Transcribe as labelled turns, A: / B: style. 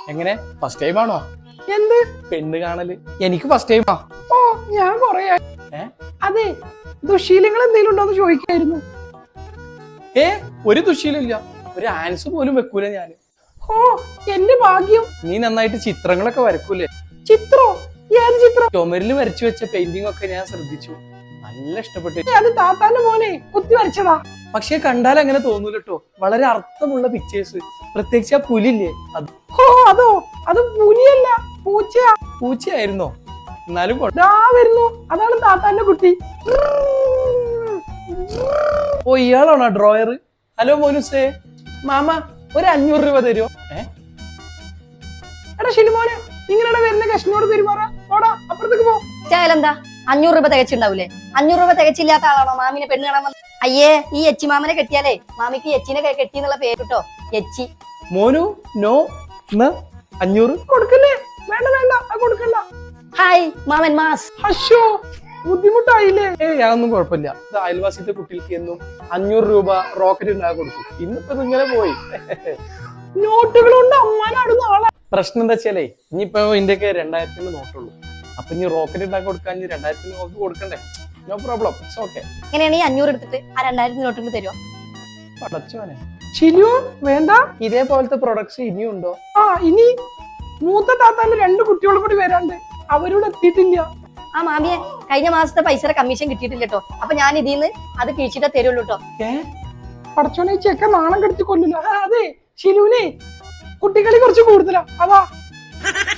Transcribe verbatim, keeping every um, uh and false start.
A: എങ്ങനെ first time ആണോ?
B: എന്ത്
A: പെണ്ണ് കാണല്? എനിക്ക് ഫസ്റ്റ് ടൈമാ.
B: ഓ ഞാൻ കൊറേ
A: ഏ
B: അതെ ദുശീലങ്ങൾ എന്തെങ്കിലും ഉണ്ടോന്ന് ചോദിക്കായിരുന്നു.
A: ഏ ഒരു ദുശീലില്ല, ഒരു ആൻസ് പോലും വെക്കൂല ഞാന്.
B: ഓ എന്റെ ഭാഗ്യം.
A: നീ നന്നായിട്ട് ചിത്രങ്ങളൊക്കെ വരക്കൂലേ?
B: ചിത്രോ? ഏത് ചിത്രം?
A: ചുമരില് വരച്ചു വെച്ച പെയിന്റിംഗ് ഒക്കെ ഞാൻ ശ്രദ്ധിച്ചു, നല്ല ഇഷ്ടപ്പെട്ടു.
B: അത് താത്താന്റെ മോനെ കുത്തി വരച്ചതാ.
A: പക്ഷെ കണ്ടാൽ അങ്ങനെ തോന്നൂല കേട്ടോ, വളരെ അർത്ഥമുള്ള പിക്ചേഴ്സ്. പ്രത്യേകിച്ച് ആ പുലില്ലേ, അത്
B: ഓ അതോ അത് പുലിയല്ല പൂച്ചയാ.
A: പൂച്ചയായിരുന്നോ? എന്നാലും കൊ-
B: ദാ വരുന്നു, അതാണ് താത്താന്റെ കുട്ടി.
A: ഓ ഇയാളാണോ ഡ്രോയർ? ഹലോ മോനുസേ, മാമ ഒരു അഞ്ഞൂറ് രൂപ തരുമോ? ഏ
B: എടാ ഷിനിമോനെ, നിങ്ങളുടെ വരുന്ന കഷ്ണോട് പെരുമാറാ. ഓടാ അപ്പുറത്തേക്ക് പോ.
C: എന്താ അഞ്ഞൂറ് രൂപ തികച്ചുണ്ടാവൂലേ? അഞ്ഞൂറ് രൂപ തികച്ചില്ലാത്ത ആളാണോ മാമിനെ പെണ്ണ് കാണാൻ വന്നത്? അയ്യേ, ഈ എച്ചി മാമനെ കെട്ടിയാലേ മാമിക്ക് എച്ചിനെ കെട്ടി എന്നുള്ള പേര് കേട്ടോ, എച്ചി.
A: മോനു നോ ന്ന് അഞ്ഞൂറ്
B: കൊടുക്കല്ലേ? വേണ്ട വേണ്ട, അത് കൊടുക്കണ്ട.
C: ഹായ് മാമൻ മാസ്.
B: അശോ ബുദ്ധിമുട്ടായില്ലേ?
A: ഏയ് അതൊന്നും കുഴപ്പമില്ല. ഇത് അയൽവാസിത്തെ കുട്ടികൾക്ക് എന്നും അഞ്ഞൂറ് രൂപ റോക്കറ്റ് ഉണ്ടാക്കി കൊടുക്കും. ഇന്നിപ്പോ ഇങ്ങനെ പോയി.
B: നോട്ടുകൾ കൊണ്ട് അമ്മാനാടുന്ന ആളാ.
A: പ്രശ്നം എന്താ വെച്ചാലേ, ഇനിയിപ്പോ ഇന്ത്യക്ക് രണ്ടായിരത്തിന് നോട്ടുള്ളൂ. അപ്പൊ ഇനി റോക്കറ്റ് ഉണ്ടാക്കി കൊടുക്കാൻ ഇനി രണ്ടായിരത്തിന് നോട്ട് കൊടുക്കണ്ടേ? No problem, it's okay.
C: എങ്ങനെയാണ് ഈ അഞ്ഞൂറ് എടുത്തിട്ട് ആ രണ്ടായിരത്തി നോട്ടിന് തരുമോ?
A: പടച്ചോനെ,
B: ചിലു വേണ്ട.
A: ഇതേപോലത്തെ പ്രൊഡക്ട്സ് ഇനിയും ഉണ്ടോ?
B: ആ ഇനി മൂത്ത താത്താന്റെ രണ്ട് കുട്ടികളും കൂടി വരാണ്ട്, അവരോട് എത്തിയിട്ടില്ല.
C: ആ മാമിയെ കഴിഞ്ഞ മാസത്തെ പൈസയുടെ കമ്മീഷൻ കിട്ടിയിട്ടില്ല കേട്ടോ. അപ്പൊ ഞാൻ ഇതിന്ന് അത് കിഴിച്ചിട്ടേ തരുള്ളൂ കേട്ടോ.
A: ഏ
B: പടച്ചോനെ, ഈ ചെക്ക നാണം കെടുത്തി കൊല്ലില്ല. അതെ ഷിലുവിനെ കുട്ടികളി കുറച്ച് കൂടുതലാ, അതാ.